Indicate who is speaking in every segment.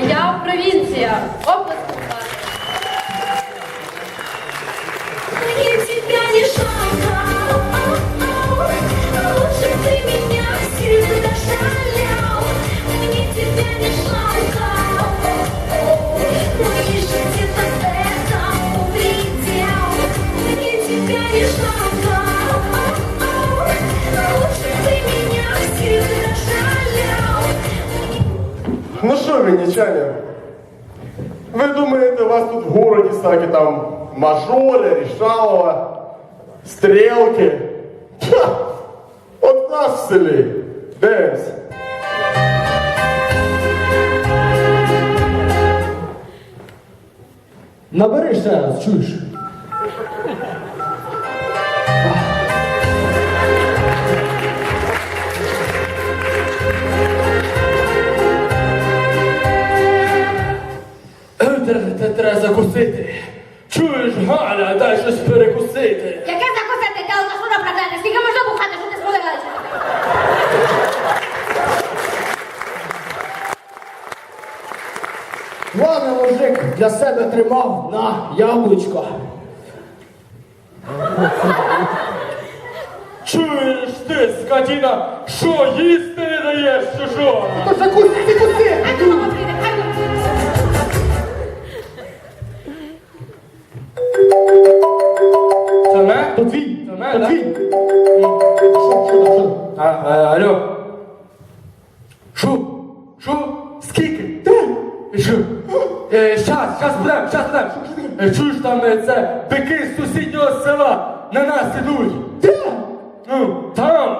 Speaker 1: Моя провінція. Оплески.
Speaker 2: Мне тебя не жалко, лучше ты меня сильно дошалял. Мне тебя не жалко, мои же где-то этому предел. Мне тебя не жалко, лучше ты меня сильно дошалял.
Speaker 3: Ну що, вінничані, ви думаєте, у вас тут в городі всякі там мажори, рішалова, стрілки? Ха! От нас в селі. Дивимось.
Speaker 4: Набери ще раз, чуєш?
Speaker 5: Треба закусити. Чуєш, Галя, дай щось перекусити.
Speaker 1: Яке закусити? Ти алкашура проклята? Скільки можна бухати, що ти сподиваєш?
Speaker 4: Ладно, мужик, для себе тримав на яблучко.
Speaker 5: Чуєш ти, скотіна, що їсти не даєш, чи що?
Speaker 4: То закуси, ти куси!
Speaker 1: Хай ти мама прийде, хай ти.
Speaker 5: Це не?
Speaker 4: То твій,
Speaker 5: Це не,
Speaker 4: то
Speaker 5: да?
Speaker 4: твій. Що?
Speaker 5: Алло. Що? Скільки? Що? Щас будем. Чуєш, там це бики з сусіднього села на нас ідуть.
Speaker 4: Де?
Speaker 5: Ну, там.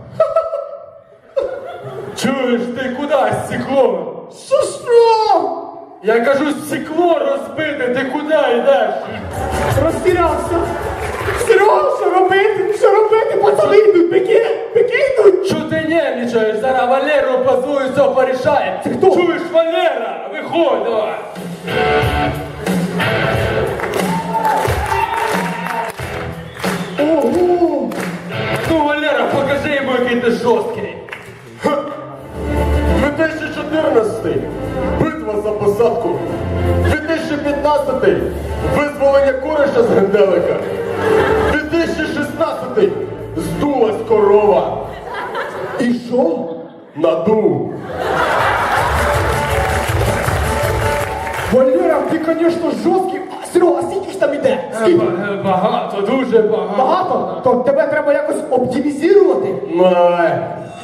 Speaker 5: Чуєш, ти куди стекло?
Speaker 4: Що?
Speaker 5: Я кажу, стекло розбите, ти куди йдеш?
Speaker 4: Розтірявся. Серйозно, що робити? Що робити? Пацани йдуть, бики йдуть.
Speaker 5: Що ти нервничаєш? Зараз Валеру позвою, все порішає.
Speaker 4: Це хто?
Speaker 5: Чуєш, Валера? Виходь, давай.
Speaker 4: Ого!
Speaker 5: Ну, Валера, покажи йому, який ти жорсткий.
Speaker 3: 2014 битва за посадку. 2015 визволення Куриша з Генделика. 2016 здулась корова.
Speaker 4: І що?
Speaker 3: Надув.
Speaker 4: Валера, ти, звісно, жорсткий. Серега, а скільки ж там іде? Скільки?
Speaker 5: Багато, дуже багато.
Speaker 4: Багато? То тебе треба якось оптимізувати.
Speaker 3: Ну, давай.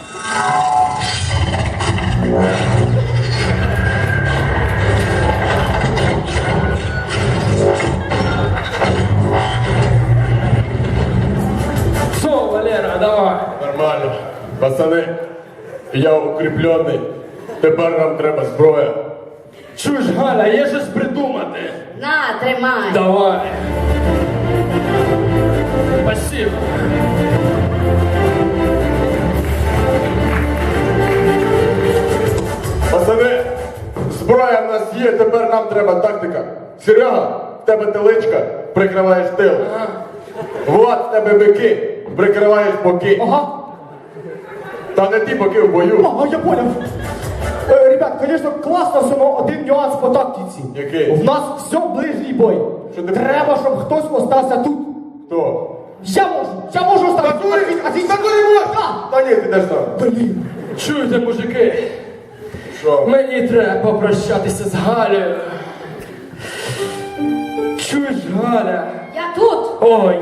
Speaker 5: Все, Валера, давай.
Speaker 3: Нормально. Пацани, я укріплений. Тепер нам треба зброя.
Speaker 5: Чуєш, Галя, є щось придумати.
Speaker 1: На, тримай.
Speaker 5: Давай. Спасибо.
Speaker 3: Пацани, зброя в нас є, тепер нам треба тактика. Серега, в тебе теличка, прикриваєш тил. Влад, в тебе бики, прикриваєш боки.
Speaker 4: Ага.
Speaker 3: Та не ті боки в бою.
Speaker 4: Ага, я понял. Ребят, звісно, класно, все, но один нюанс по тактиці.
Speaker 3: Який?
Speaker 4: В нас все ближній бой.
Speaker 3: Що ти
Speaker 4: Треба, щоб хтось остався тут.
Speaker 3: Хто?
Speaker 4: Я можу остався. А ти
Speaker 3: Та ні, ти йдеш там.
Speaker 4: Блін.
Speaker 5: Чуєте, мужики?
Speaker 3: Що?
Speaker 5: Мені треба попрощатися з Галею. Чуєш, Галя?
Speaker 1: Я тут.
Speaker 5: Ой.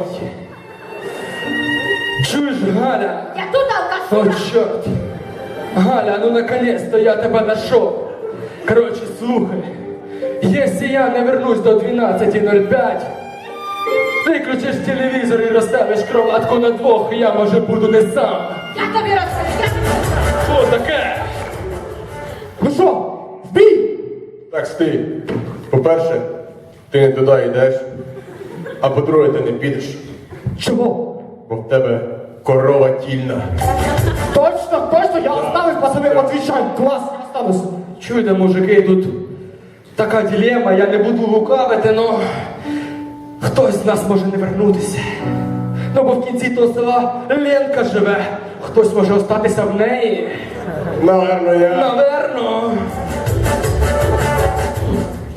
Speaker 5: Чуєш, Галя?
Speaker 1: Я тут,
Speaker 5: О,
Speaker 1: алкашура.
Speaker 5: черт. Галя, ну наконец-то я тебя нашел. Короче, слухай. Если я не вернусь до 12:05, выключишь телевизор и расставишь кроватку на двох, я, може, буду не сам.
Speaker 1: Я тобі розкажу.
Speaker 5: Що таке?
Speaker 4: Ну що, в бій?
Speaker 3: Так, стій. По-перше, ти не туди йдеш. А по-друге, ти не підеш.
Speaker 4: Чого?
Speaker 3: Бо в тебе корова тільна.
Speaker 4: Точно, я оставив, пацани, отвечай. Клас, я останусь.
Speaker 5: Чуєте, мужики, тут така дилема, я не буду лукавити, но хтось з нас може не вернутися. Ну, бо в кінці того села Ленка живе. Хтось може остатися в неї.
Speaker 3: Наверно, я.
Speaker 5: Наверно.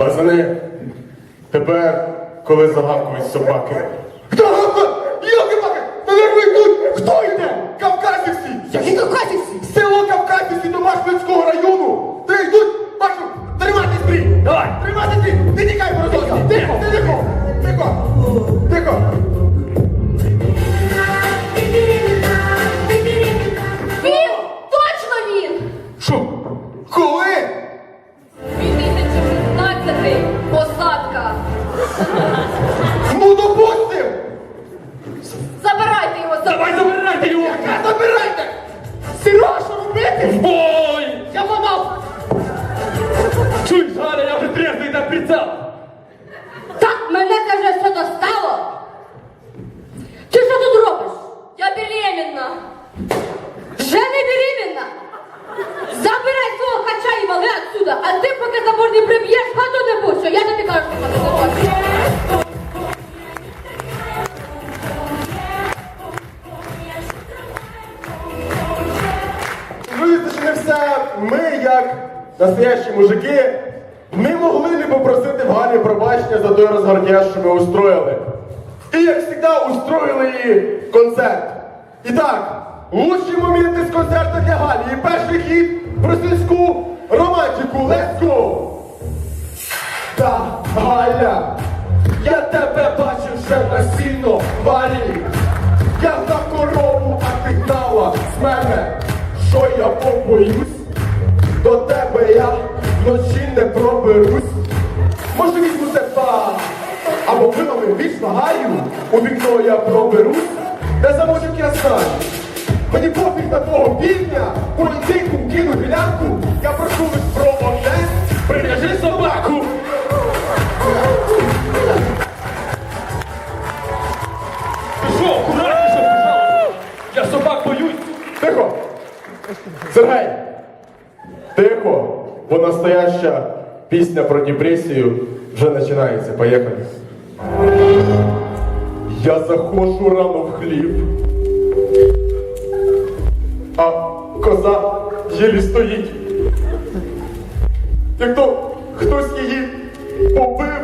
Speaker 3: Пацани, тепер, коли загавкують собаки. Хто гавкає? Йоки-паки! Та не ви тут! Хто йде? Кавказівці!
Speaker 4: Які кавказівці?
Speaker 3: Село Кавказівці до Машківського району! Ти йдуть! Бачу! Тримати стрій!
Speaker 4: Давай.
Speaker 3: Тримати стрій! Не тікай, Морозовський! Тихо! Тихо! Тихо! Тихо!
Speaker 1: Він! Точно він!
Speaker 5: Що?
Speaker 3: Коли?
Speaker 1: 2016 посадка.
Speaker 3: Ну допустим!
Speaker 1: Забирайте його
Speaker 5: Давай забирайте його!
Speaker 3: Забирайте!
Speaker 4: Серега, що робити?
Speaker 5: Ой!
Speaker 4: Я ламав.
Speaker 5: Чуєш, Галя, я вже трезвий на прицел!
Speaker 1: Так, мене це вже все достало. Ти що тут робиш? Я беременна. Вже не беременна. Забирай свого хача і вали отсюда, а ти поки забор не приб'єш, хату не пущу. Я тобі кажу, що ти не хочеш.
Speaker 3: Розумієте, що не все. Ми, як настоящі мужики, ми могли не попросити в Галі пробачення за той розгардяж, що ми устроїли. І, як завжди, устроїли їй концерт. І так, лучші моменти з концерту для Галі. І перший хід про сільську романтику. Let's go! Та, Галя, я тебе бачив вже на сіно валі. Я за корову, а ти гнала з мене. Що я побоюсь? До тебе я вночі не проберусь. Може візьму тебе, або вилами віч вагаю. У вікно я проберусь, де замочок я знаю. Мені пофіг на твого півдня, політику кину гілянку. Я прошу лиш про одне, прив'яжи собаку.
Speaker 5: Ти що, акуратніше, пожалуйста! Я собак боюсь!
Speaker 3: Тихо! Сергей! Тихо! Бо настояща пісня про депресію вже починається. Поїхали. Я заходжу рано в хліб, а коза єлі стоїть. Як то хтось її побив,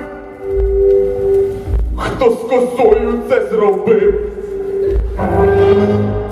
Speaker 3: хто з козою це зробив.